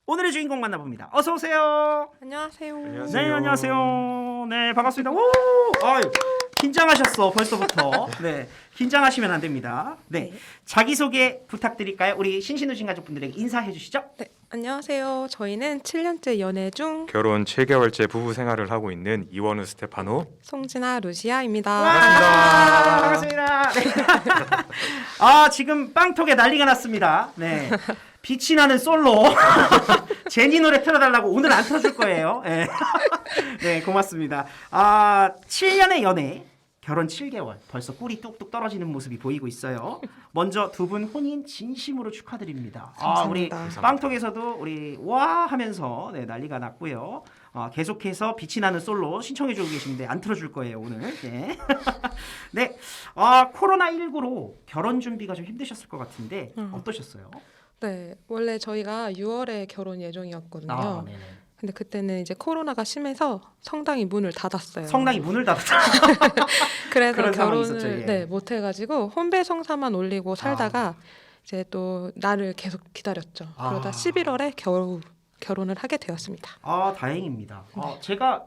오늘의 주인공 만나봅니다. 어서 오세요. 안녕하세요. 네, 안녕하세요. 네, 반갑습니다. 오, 아유, 긴장하셨어 벌써부터. 네, 긴장하시면 안 됩니다. 네, 자기 소개 부탁드릴까요? 우리 신신우신 가족분들에게 인사해 주시죠. 네, 안녕하세요. 저희는 7년째 연애 중 결혼 7개월째 부부 생활을 하고 있는 이원우 스테파노. 송진아 루시아입니다. 와, 반갑습니다. 네. 아, 지금 빵톡에 난리가 났습니다. 네. 빛이 나는 솔로 제니 노래 틀어달라고 오늘 안 틀어줄 거예요. 네, 네 고맙습니다. 아 7년의 연애 결혼 7개월 벌써 꿀이 뚝뚝 떨어지는 모습이 보이고 있어요. 먼저 두 분 혼인 진심으로 축하드립니다. 아, 우리 감사합니다. 빵톡에서도 우리 와 하면서 네, 난리가 났고요. 계속해서 빛이 나는 솔로 신청해주고 계신데 안 틀어줄 거예요 오늘. 네. 네. 코로나19로 결혼 준비가 좀 힘드셨을 것 같은데 어떠셨어요? 네, 원래 저희가 6월에 결혼 예정이었거든요. 네네. 근데 그때는 이제 코로나가 심해서 성당이 문을 닫았어요. 성당이 문을 닫았죠. 그래서 그런 상황이 결혼을 있었죠, 예. 네, 못 해가지고 혼배 성사만 올리고 살다가 이제 또 날을 계속 기다렸죠. 그러다 11월에 겨우 결혼을 하게 되었습니다. 아 다행입니다. 제가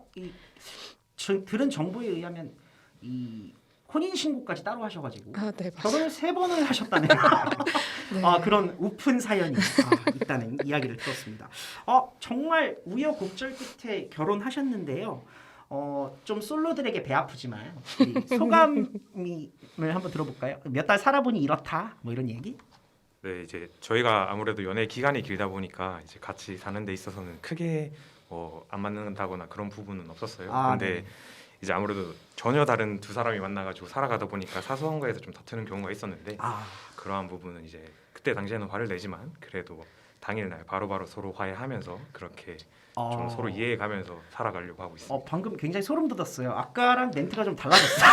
들은 정보에 의하면 이 혼인 신고까지 따로 하셔가지고 아, 네, 맞아요. 결혼을 3번을 하셨다는 네. 그런 우픈 사연이 있다는 이야기를 들었습니다. 정말 우여곡절 끝에 결혼하셨는데요. 좀 솔로들에게 배 아프지만 우리 소감을 한번 들어볼까요? 몇 달 살아보니 이렇다 뭐 이런 얘기? 네, 이제 저희가 아무래도 연애 기간이 길다 보니까 이제 같이 사는 데 있어서는 크게 안 맞는다거나 그런 부분은 없었어요. 근데 네. 이제 아무래도 전혀 다른 두 사람이 만나가지고 살아가다 보니까 사소한 거에서 좀 다투는 경우가 있었는데 그러한 부분은 이제 그때 당시에는 화를 내지만 그래도 당일날 바로바로 서로 화해하면서 그렇게 좀 서로 이해해가면서 살아가려고 하고 있습니다. 방금 굉장히 소름 돋았어요. 아까랑 멘트가 좀 달라졌어요.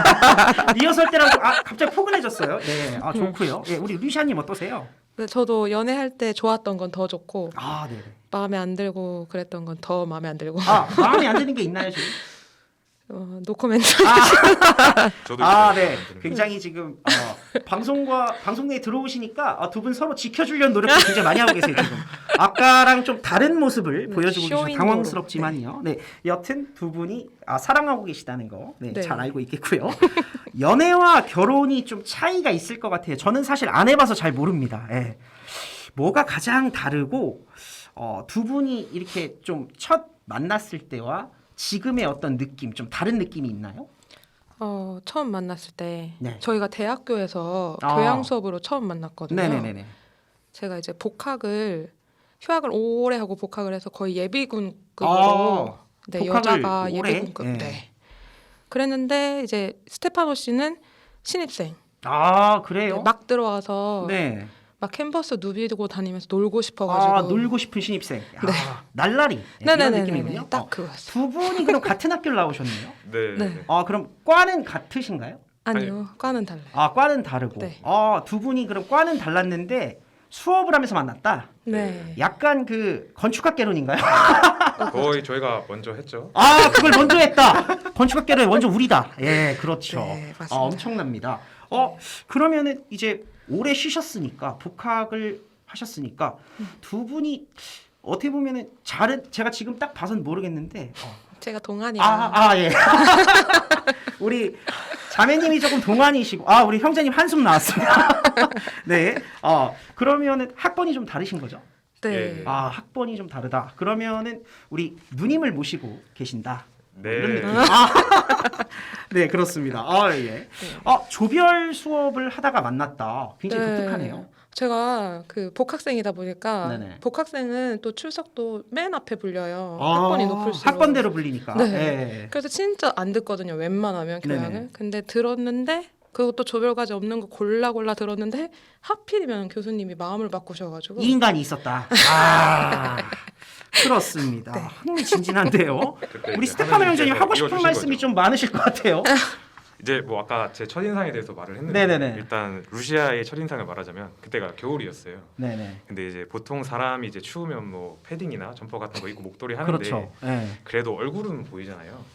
리허설 때랑 갑자기 포근해졌어요. 네, 좋고요. 예, 우리 루시아님 어떠세요? 네, 저도 연애할 때 좋았던 건 더 좋고 네네. 마음에 안 들고 그랬던 건 더 마음에 안 들고 마음에 안 드는 게 있나요 지금? 노코멘트. 저도 네. 굉장히 지금 방송에 들어오시니까 두 분 서로 지켜주려는 노력을 굉장히 많이 하고 계세요 지금. 아까랑 좀 다른 모습을 보여주고 계셔서 쇼인도로. 당황스럽지만요. 네. 여튼 두 분이 사랑하고 계시다는 거, 네, 네. 잘 알고 있겠고요. 연애와 결혼이 좀 차이가 있을 것 같아요. 저는 사실 안 해봐서 잘 모릅니다. 예. 뭐가 가장 다르고 두 분이 이렇게 좀 첫 만났을 때와 지금의 어떤 느낌, 좀 다른 느낌이 있나요? 처음 만났을 때 네. 저희가 대학교에서 교양 수업으로 처음 만났거든요. 네네네. 제가 이제 휴학을 오래 하고 복학을 해서 거의 예비군급으로 네, 복학을 여자가 오래? 예비군급. 네. 네. 그랬는데 이제 스테파노 씨는 신입생. 그래요? 네, 막 들어와서 네. 막 캔버스 누비고 다니면서 놀고 싶어가지고. 놀고 싶은 신입생. 날라리. 이런 네네네네. 느낌이군요. 딱 그거였어요. 두 분이 그럼 같은 학교를 나오셨네요. 네. 네. 그럼 과는 같으신가요? 아니요, 과는 달라요. 과는 다르고. 네. 두 분이 그럼 과는 달랐는데 수업을 하면서 만났다. 네. 약간 그 건축학개론인가요? 거의 저희가 먼저 했죠. 그걸 먼저 했다. 건축학개론 먼저 우리다. 예, 그렇죠. 네, 맞습니다. 엄청납니다. 그러면은 이제 오래 쉬셨으니까 복학을 하셨으니까 두 분이 어떻게 보면은 제가 지금 딱 봐선 모르겠는데 제가 동안이라. 예. 우리 자매님이 조금 동안이시고 우리 형제님 한숨 나왔습니다. 네. 그러면은 학번이 좀 다르신 거죠? 네. 예. 학번이 좀 다르다. 그러면은 우리 누님을 모시고 계신다. 네. 이런 느낌. 네, 그렇습니다. 예. 조별 수업을 하다가 만났다. 굉장히 네. 독특하네요. 제가 그 복학생이다 보니까 네네. 복학생은 또 출석도 맨 앞에 불려요. 학번이 높을수록. 학번대로 불리니까. 네. 예. 그래서 진짜 안 듣거든요. 웬만하면 교양을. 네네. 근데 들었는데 그것도 조별과제 없는 거 골라 들었는데 하필이면 교수님이 마음을 바꾸셔가지고. 이 인간이 있었다. 그렇습니다. 네. 흥미진진한데요. 그때 우리 이제 스테파노 형제님 하느님께서 하고 싶은 이어주신 말씀이 거죠. 좀 많으실 것 같아요. 이제 뭐 아까 제 첫인상에 대해서 말을 했는데 네네네. 일단 루시아의 첫인상을 말하자면 그때가 겨울이었어요. 네네. 근데 이제 보통 사람이 이제 추우면 뭐 패딩이나 점퍼 같은 거 입고 목도리 하는데 그렇죠. 예. 그래도 얼굴은 보이잖아요.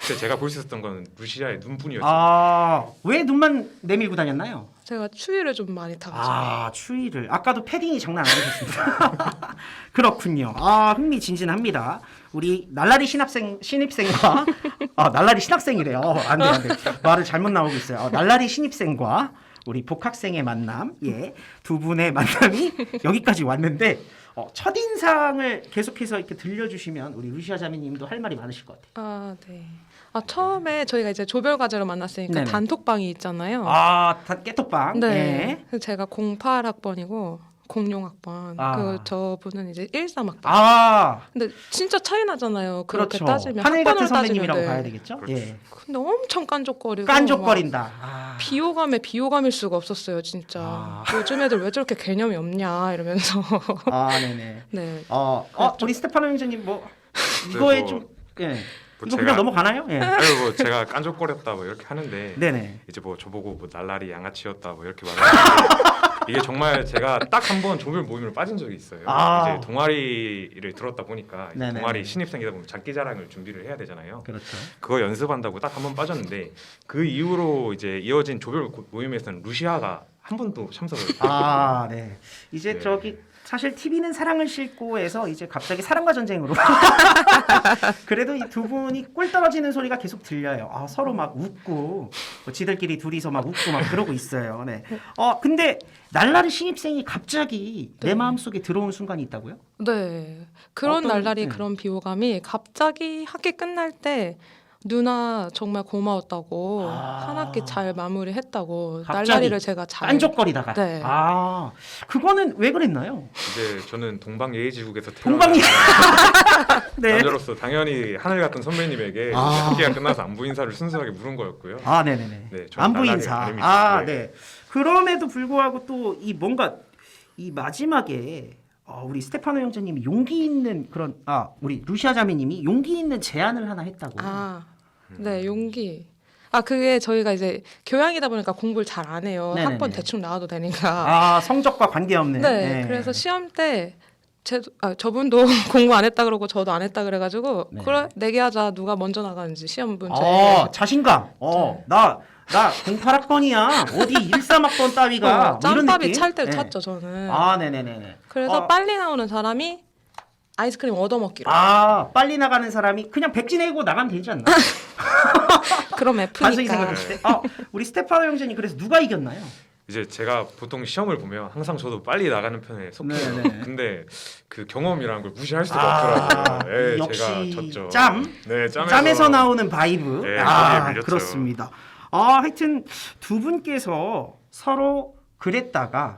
그때 제가 볼 수 있었던 건 루시아의 눈뿐이었어요. 아, 왜 눈만 내밀고 다녔나요? 제가 추위를 좀 많이 타가지고. 아, 추위를. 아까도 패딩이 장난 아니셨습니다. 그렇군요. 아, 흥미진진합니다. 우리 날라리 신입생과 날라리 신학생이래요. 안 돼, 안 돼. 말을 잘못 나오고 있어요. 날라리 신입생과 우리 복학생의 만남, 예, 두 분의 만남이 여기까지 왔는데 첫인상을 계속해서 이렇게 들려주시면 우리 루시아 자매님도 할 말이 많으실 것 같아요. 아, 네. 처음에 저희가 이제 조별 과제로 만났으니까 네네. 단톡방이 있잖아요. 깨톡방. 네. 예. 그래서 제가 08학번이고 00학번. 저분은 이제 13학번. 근데 진짜 차이 나잖아요. 그렇게 그렇죠. 따지면 하늘 같은 학번으로 선배님이라고 따지면, 봐야 되겠죠? 그렇죠. 예. 근데 엄청 깐족거리고 깐족거린다. 비호감에 비호감일 수가 없었어요, 진짜. 요즘 애들 왜 저렇게 개념이 없냐 이러면서. 네네. 네. 우리 스테파노 형제님 뭐 네, 이거에 뭐, 좀 예. 뭐 이거 그냥 넘어가나요? 예. 아니 뭐 제가 깐족거렸다 뭐 이렇게 하는데 네네. 이제 뭐 저보고 뭐 날라리 양아치였다 뭐 이렇게 말하는데 이게 정말 제가 딱 한 번 조별 모임을 빠진 적이 있어요. 이제 동아리를 들었다 보니까 이제 네네. 동아리 신입생이다 보면 장기자랑을 준비를 해야 되잖아요. 그렇죠. 그거 연습한다고 딱 한 번 빠졌는데 그 이후로 이제 이어진 조별 모임에서는 루시아가 한 번도 참석을 네. 이제 네. 저기 사실 TV는 사랑을 싣고에서 이제 갑자기 사랑과 전쟁으로 그래도 이 두 분이 꿀 떨어지는 소리가 계속 들려요. 서로 막 웃고 뭐 지들끼리 둘이서 막 웃고 막 그러고 있어요. 네. 근데 날라리 신입생이 갑자기 내 네. 마음속에 들어온 순간이 있다고요? 네. 그런 날라리 네. 그런 비호감이 갑자기 학기 끝날 때 누나 정말 고마웠다고 한 학기 잘 마무리했다고 갑자기 날라리를 제가 잘 깐족거리다가. 네. 그거는 왜 그랬나요? 이제 저는 동방예의지국에서 동방예- 네. 남자로서 당연히 하늘 같은 선배님에게 이제 학기가 끝나서 안부 인사를 순수하게 물은 거였고요. 네네네. 네, 저는 안부 날라리 인사. 아닙니다. 네. 그럼에도 불구하고 또 이 뭔가 이 마지막에 우리 스테파노 형제님이 용기 있는 그런 우리 루시아 자매님이 용기 있는 제안을 하나 했다고. 네, 용기. 그게 저희가 이제 교양이다 보니까 공부를 잘 안 해요. 네네네. 학번 대충 나와도 되니까. 성적과 관계없는. 네, 그래서 시험 때 저분도 공부 안 했다 그러고 저도 안 했다 그래가지고 네. 그래 내기하자 누가 먼저 나가는지 시험 문제. 자신감. 네. 나 08학번이야. 어디 13학번 따위가 뭐 이런 짬밥이 느낌? 찰 때를 네. 찼죠 저는. 네네네. 그래서 빨리 나오는 사람이 아이스크림 얻어먹기로. 빨리 나가는 사람이 그냥 백지 내고 나가면 되지 않나? 그럼 단순히 F니까. 생각했을 때. 우리 스테파노 형제님 그래서 누가 이겼나요? 이제 제가 보통 시험을 보면 항상 저도 빨리 나가는 편에 속해요. 네네. 근데 그 경험이라는 걸 무시할 수가 없더라고요. 역시 제가 졌죠. 네, 짬에서 짬에서 나오는 바이브. 네, 거기에 밀렸죠. 그렇습니다. 하여튼 두 분께서 서로 그랬다가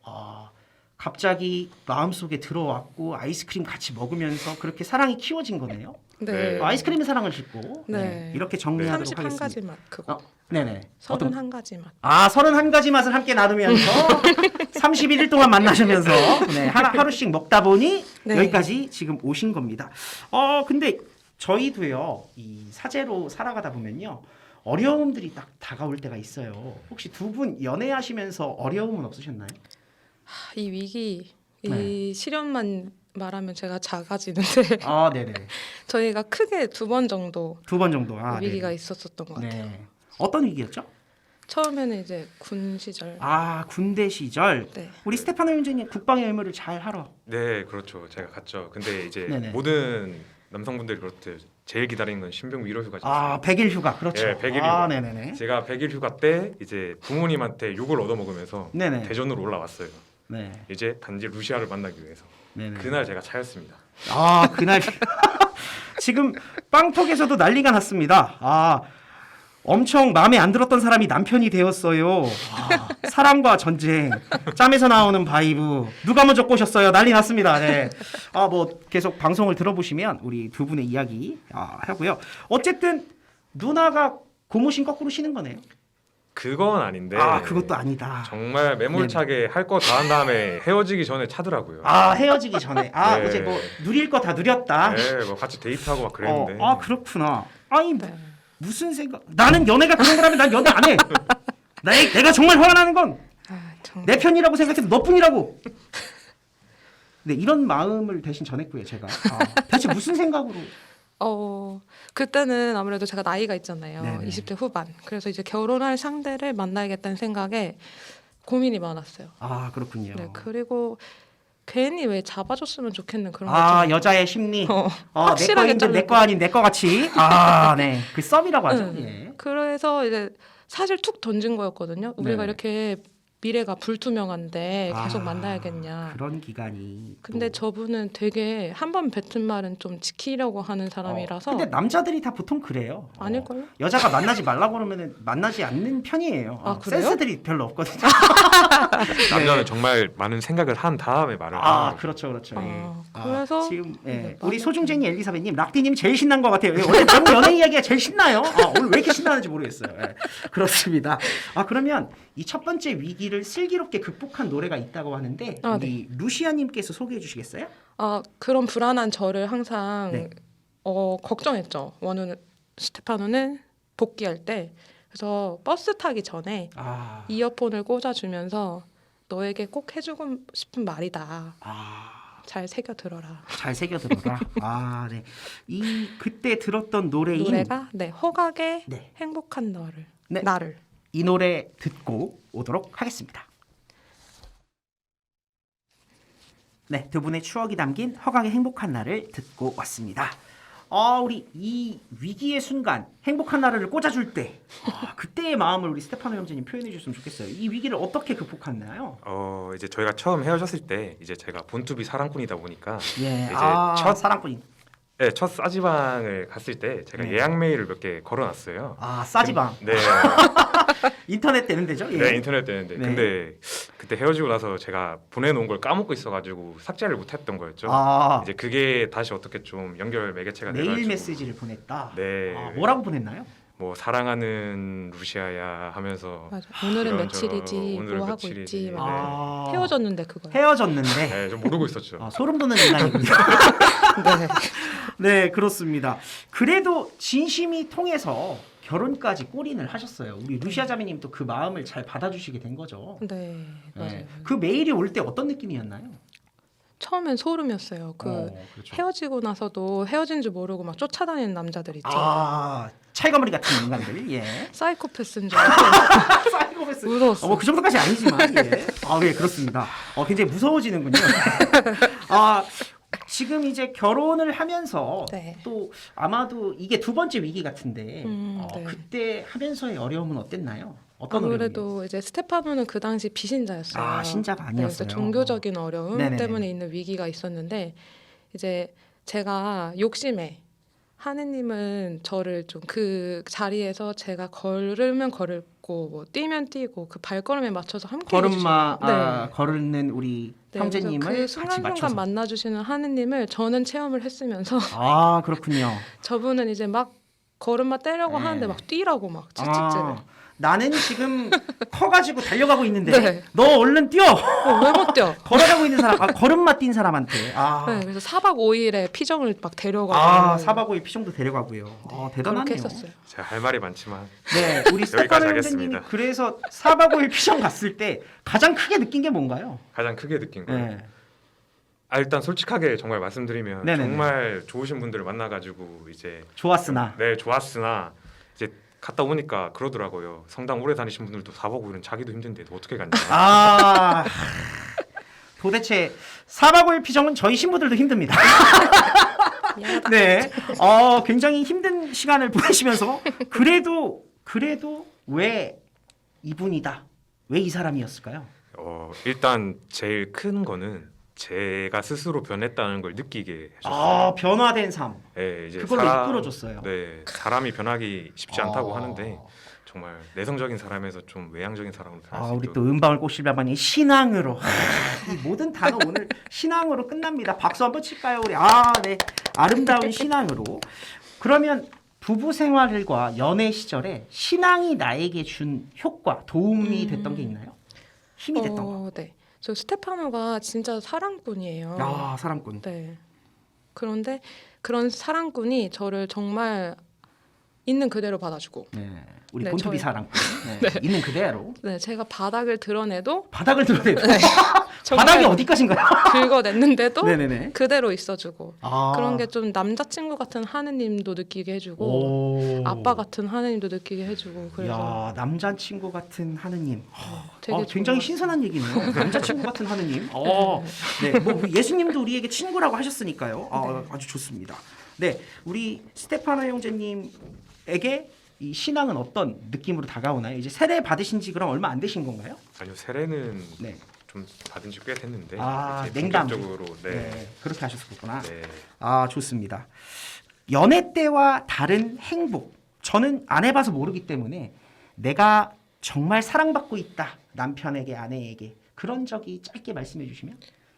갑자기 마음속에 들어왔고 아이스크림 같이 먹으면서 그렇게 사랑이 키워진 거네요. 네. 아이스크림의 사랑을 짓고 네. 이렇게 정리하도록 31가지 하겠습니다. 맛 그거. 네네. 31가지 맛. 31가지 맛을 함께 나누면서 31일 동안 만나시면서 하루씩 먹다 보니 네. 여기까지 지금 오신 겁니다. 근데 저희도요, 이 사제로 살아가다 보면요, 어려움들이 딱 다가올 때가 있어요. 혹시 두 분 연애하시면서 어려움은 없으셨나요? 이 위기, 이 네. 시련만 말하면 제가 작아지는데 네네. 저희가 크게 2번 정도 2번 정도. 위기가 네네. 있었었던 것 같아요. 네. 어떤 위기였죠? 처음에는 이제 군 시절. 군대 시절. 네. 우리 스테파노 형제님 국방의 의무를 잘 하러. 네, 그렇죠. 제가 갔죠. 근데 이제 네네. 모든 남성분들이 그렇듯 제일 기다리는 건 신병 위로 휴가죠. 100일 휴가. 그렇죠. 네, 100일 휴가. 네네네. 제가 100일 휴가 때 이제 부모님한테 욕을 얻어먹으면서 네네. 대전으로 올라왔어요. 네. 이제 단지 루시아를 만나기 위해서. 네네. 그날 제가 차였습니다. 그날 지금 빵톡에서도 난리가 났습니다. 엄청 마음에 안 들었던 사람이 남편이 되었어요. 사랑과 전쟁, 짬에서 나오는 바이브, 누가 먼저 꼬셨어요? 난리 났습니다. 네. 뭐 계속 방송을 들어보시면 우리 두 분의 이야기 하고요. 어쨌든 누나가 고무신 거꾸로 신은 거네요. 그건 아닌데. 그것도 아니다. 정말 매몰차게 할 거 다 한 다음에 헤어지기 전에 차더라고요. 헤어지기 전에. 네. 이제 뭐 누릴 거 다 누렸다. 네, 뭐 같이 데이트하고 막 그랬는데. 그렇구나. 아니 네. 무슨 생각? 나는 연애가 그런 거라면 난 연애 안 해. 내가 정말 화가 나는 건 내 편이라고 생각해도 너뿐이라고. 네, 이런 마음을 대신 전했고요, 제가. 대체 무슨 생각으로? 그때는 아무래도 제가 나이가 있잖아요. 네네. 20대 후반. 그래서 이제 결혼할 상대를 만나야겠다는 생각에 고민이 많았어요. 아 그렇군요. 네, 그리고 괜히 왜 잡아줬으면 좋겠는 그런 거 아 좀 여자의 심리. 어, 내 확실하게 거인데 내 거 아닌 내 거 같이. 아 네. 그 썸이라고 하죠. 응. 예. 그래서 이제 사실 툭 던진 거였거든요. 우리가 네네. 이렇게 미래가 불투명한데 계속 아, 만나야겠냐. 그런 기간이. 근데 또. 저분은 되게 한 번 뱉은 말은 좀 지키려고 하는 사람이라서 근데 남자들이 다 보통 그래요. 아닐걸요? 여자가 만나지 말라고 그러면 만나지 않는 편이에요. 아, 그래요? 센스들이 별로 없거든요. 남자는 정말 많은 생각을 한 다음에 말을 하는 아 거죠. 그렇죠, 그렇죠. 예. 그래서 지금 예. 네, 우리 많은- 소중쟁이 엘리사벳님, 락디님 제일 신난 것 같아요. 원래 너무 연애 이야기가 제일 신나요. 오늘 왜 이렇게 신나는지 모르겠어요. 예. 그렇습니다. 그러면 이 첫 번째 위기를 슬기롭게 극복한 노래가 있다고 하는데 우리 루시아님께서 소개해 주시겠어요? 그런 불안한 저를 항상 네. 걱정했죠. 스테파노는 복귀할 때 그래서 버스 타기 전에 아, 이어폰을 꽂아주면서 너에게 꼭 해주고 싶은 말이다. 잘 새겨 들어라. 잘 새겨들어라. 네. 이 그때 들었던 노래인 노래가 허각의 네. 행복한 너를 네. 나를. 이 노래 듣고 오도록 하겠습니다. 네, 두 분의 추억이 담긴 허각의 행복한 날을 듣고 왔습니다. 우리 이 위기의 순간 행복한 나라를 꽂아줄 때 그때의 마음을 우리 스테파노 형제님 표현해 주셨으면 좋겠어요. 이 위기를 어떻게 극복했나요? 이제 저희가 처음 헤어졌을 때 이제 제가 본투비 사랑꾼이다 보니까 예, 이제 첫 사랑꾼이. 네, 첫 싸지방을 갔을 때 제가 네. 예약 메일을 몇 개 걸어놨어요. 싸지방. 네, 인터넷 되는 데죠? 예. 네 인터넷 되는데 네. 근데 그때 헤어지고 나서 제가 보내놓은 걸 까먹고 있어가지고 삭제를 못했던 거였죠. 이제 그게 다시 어떻게 좀 연결 매개체가 메일 돼가지고 메시지를 보냈다. 네. 뭐라고 보냈나요? 뭐 사랑하는 루시아야 하면서 맞아. 오늘은 이런저런 며칠이지 오늘은 뭐 하고 며칠이지. 있지. 막 아, 헤어졌는데 그거. 헤어졌는데 네, 좀 모르고 있었죠. 소름 돋는 인간이군요. 네. 네, 그렇습니다. 그래도 진심이 통해서 결혼까지 골인을 하셨어요. 우리 루시아 자매님 또 그 마음을 잘 받아주시게 된 거죠. 네, 맞아요. 네. 그 메일이 올 때 어떤 느낌이었나요? 처음엔 소름이었어요. 그렇죠. 헤어지고 나서도 헤어진 줄 모르고 막 쫓아다니는 남자들 있죠. 찰거머리 같은 인간들. 예. 사이코패스인 줄 알고 사이코패스. 무서웠어. 그 정도까지 아니지만. 예. 예, 그렇습니다. 굉장히 무서워지는군요. 지금 이제 결혼을 하면서 네. 또 아마도 이게 두 번째 위기 같은데 네. 그때 하면서의 어려움은 어땠나요? 어떤 아무래도 이제 스테파노는 그 당시 비신자였어요. 신자가 네, 아니었어요. 그래서 종교적인 어려움 네네네. 때문에 있는 위기가 있었는데 이제 제가 욕심에 하느님은 저를 좀 그 자리에서 제가 걸으면 걸고 뭐 뛰면 뛰고 그 발걸음에 맞춰서 함께 걸음마 해주시는- 네. 걸는 우리 네, 형제님을 그래서 그 같이 순간순간 맞춰서. 만나주시는 하느님을 저는 체험을 했으면서 그렇군요. 저분은 이제 막 걸음마 떼려고 네. 하는데 막 뛰라고 막 채찍질을. 나는 지금 커가지고 달려가고 있는데 네. 너 얼른 뛰어. 왜 못 뛰어? 걸어가고 있는 사람, 걸음마 뛴 사람한테. 네, 그래서 4박 5일에 피정을 막 데려가고 4박 5일 피정도 데려가고요. 대단하네요. 그렇게 했었어요. 제가 할 말이 많지만 네, 우리 스테파노 형제님이 하겠습니다. 그래서 4박 5일 피정 갔을 때 가장 크게 느낀 게 뭔가요? 가장 크게 느낀 거예요. 네. 일단 솔직하게 정말 말씀드리면 네네네. 정말 좋으신 분들을 만나가지고 이제 좋았으나. 네 좋았으나 이제 갔다 오니까 그러더라고요. 성당 오래 다니신 분들도 4박 5일은 자기도 힘든데 어떻게 갔냐. 도대체 4박 5일 피정은 저희 신부들도 힘듭니다. 미안하다. 네, 굉장히 힘든 시간을 보내시면서 그래도 왜 이분이다, 왜 이 사람이었을까요? 일단 제일 큰 거는 제가 스스로 변했다는 걸 느끼게 해줬어요. 변화된 삶. 네, 이제 그걸로 이끌어줬어요. 네, 사람이 변하기 쉽지 않다고 하는데 아, 정말 내성적인 사람에서 좀 외향적인 사람으로 변할 수 우리 있도록. 또 은방울 꽃실바방이 신앙으로. 이 모든 단어 오늘 신앙으로 끝납니다. 박수 한번 칠까요, 우리? 네, 아름다운 신앙으로. 그러면 부부 생활과 연애 시절에 신앙이 나에게 준 효과, 도움이 됐던 게 있나요? 힘이 됐던 거. 네. 저 스테파노가 진짜 사랑꾼이에요. 사랑꾼. 네. 그런데 그런 사랑꾼이 저를 정말 있는 그대로 받아주고. 네. 우리 네, 본투비 저희- 사랑꾼. 네. 있는 그대로. 네, 제가 바닥을 드러내도 바닥을 드러내도 정말 바닥이 어디까지인가요? 긁어냈는데도 네네네. 그대로 있어주고. 아. 그런 게 좀 남자친구 같은 하느님도 느끼게 해주고 오. 아빠 같은 하느님도 느끼게 해주고 그래서 야, 남자친구 같은 하느님. 되게 좋은 굉장히 것 신선한 얘기네요. 남자친구 같은 하느님. 네, 뭐 예수님도 우리에게 친구라고 하셨으니까요. 아주 좋습니다. 네, 우리 스테파나 형제님에게 이 신앙은 어떤 느낌으로 다가오나요? 이제 세례 받으신 지 그럼 얼마 안 되신 건가요? 아니요, 세례는 네. 좀 받은 지 꽤 됐는데 아, 이제 냉담. 본격적으로 네. 그렇게 하셨었구나. 네. 아, 좋습니다. 연애 때와 다른 행복. 저는 안 해봐서 모르기 때문에 내가 정말 사랑받고 있다. 남편에게, 아내에게. 그런 적이 짧게 말씀해 주시면.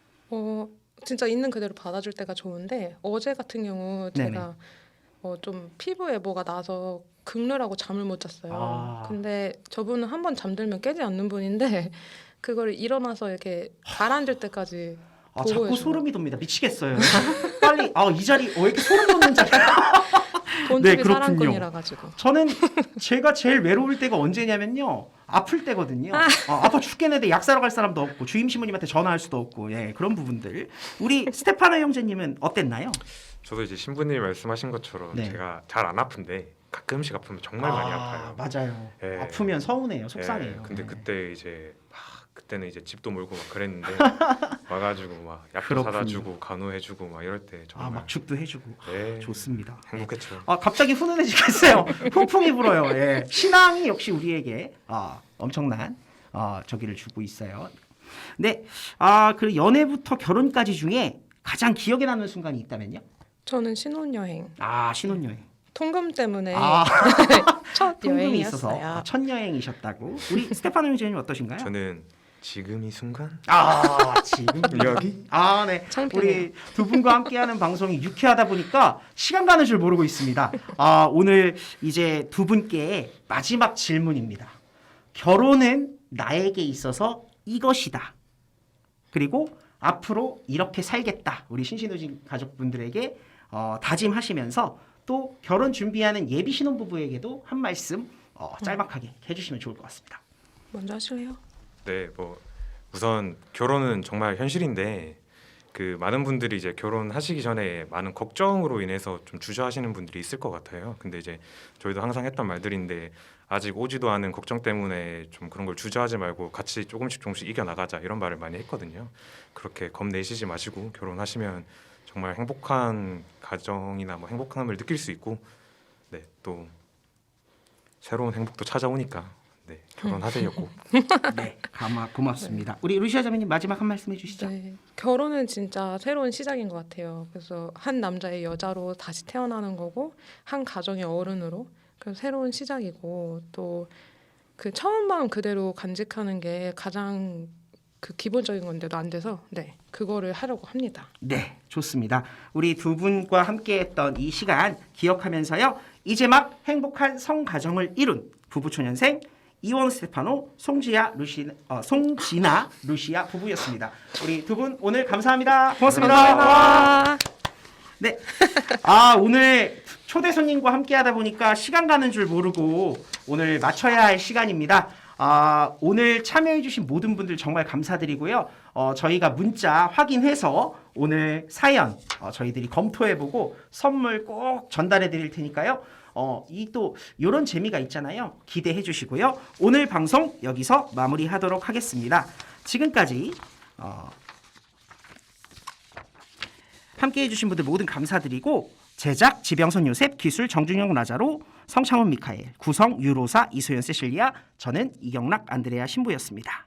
진짜 있는 그대로 받아줄 때가 좋은데 어제 같은 경우 네네. 제가 좀 피부에 뭐가 나서 긁느라고 잠을 못 잤어요. 아. 근데 저분은 한 번 잠들면 깨지 않는 분인데 그걸 일어나서 이렇게 가라앉을 때까지 보고 자꾸 해주고. 소름이 돋니다. 미치겠어요. 빨리 이 자리 왜 이렇게 소름 돋는 자리야? 본투비 네, 그렇군요. 사랑꾼이라 가지고. 저는 제가 제일 외로울 때가 언제냐면요. 아플 때거든요. 아파 죽겠는데 약 사러 갈 사람도 없고 주임 신부님한테 전화할 수도 없고 그런 부분들. 우리 스테파나 형제님은 어땠나요? 저도 이제 신부님이 말씀하신 것처럼 네. 제가 잘 안 아픈데 가끔씩 아프면 정말 많이 아파요. 맞아요. 예. 아프면 서운해요. 속상해요. 근데 네. 그때 이제 그때는 이제 집도 몰고 막 그랬는데 와가지고 막 약도 그렇군요. 사다 주고 간호해주고 막 이럴 때 정말 막 죽도 해주고 네. 좋습니다. 행복했죠. 갑자기 훈훈해지겠어요. 풍풍이 불어요. 예. 신앙이 역시 우리에게 엄청난 저기를 주고 있어요. 네, 그 연애부터 결혼까지 중에 가장 기억에 남는 순간이 있다면요? 저는 신혼여행 신혼여행. 통금 때문에 첫 통금이 있어서 여행이었어요. 첫 여행이셨다고. 우리 스테파노 형제님 어떠신가요? 저는 지금 이 순간 지금 여기 네. 창피해요. 우리 두 분과 함께하는 방송이 유쾌하다 보니까 시간 가는 줄 모르고 있습니다. 오늘 이제 두 분께 마지막 질문입니다. 결혼은 나에게 있어서 이것이다. 그리고 앞으로 이렇게 살겠다. 우리 신신우진 가족분들에게 다짐하시면서 또 결혼 준비하는 예비 신혼부부에게도 한 말씀 짤막하게 해주시면 좋을 것 같습니다. 먼저 하실래요? 네, 뭐 우선 결혼은 정말 현실인데 그 많은 분들이 이제 결혼하시기 전에 많은 걱정으로 인해서 좀 주저하시는 분들이 있을 것 같아요. 근데 이제 저희도 항상 했던 말들인데 아직 오지도 않은 걱정 때문에 좀 그런 걸 주저하지 말고 같이 조금씩 이겨 나가자 이런 말을 많이 했거든요. 그렇게 겁내시지 마시고 결혼하시면 정말 행복한 가정이나 뭐 행복함을 느낄 수 있고 네, 또 새로운 행복도 찾아오니까 네, 결혼하세요 꼭. 네, 고맙습니다. 우리 루시아 자매님 마지막 한 말씀 해주시죠. 네, 결혼은 진짜 새로운 시작인 것 같아요. 그래서 한 남자의 여자로 다시 태어나는 거고 한 가정의 어른으로 그래서 새로운 시작이고 또 그 처음 마음 그대로 간직하는 게 가장 그 기본적인 건데도 안 돼서 그거를 하려고 합니다. 네, 좋습니다. 우리 두 분과 함께했던 이 시간 기억하면서요. 이제 막 행복한 성가정을 이룬 부부초년생 이원 스테파노, 송진아 루시아 부부였습니다. 우리 두 분 오늘 감사합니다. 고맙습니다. 감사합니다. 네. 오늘 초대 손님과 함께하다 보니까 시간 가는 줄 모르고 오늘 마쳐야 할 시간입니다. 오늘 참여해주신 모든 분들 정말 감사드리고요. 저희가 문자 확인해서 오늘 사연 저희들이 검토해보고 선물 꼭 전달해드릴 테니까요. 이런 재미가 있잖아요. 기대해주시고요. 오늘 방송 여기서 마무리하도록 하겠습니다. 지금까지 함께해주신 분들 모든 감사드리고 제작 지병선 요셉, 기술 정준영 라자로, 성창훈 미카엘, 구성 유로사 이소연 세실리아, 저는 이경락 안드레아 신부였습니다.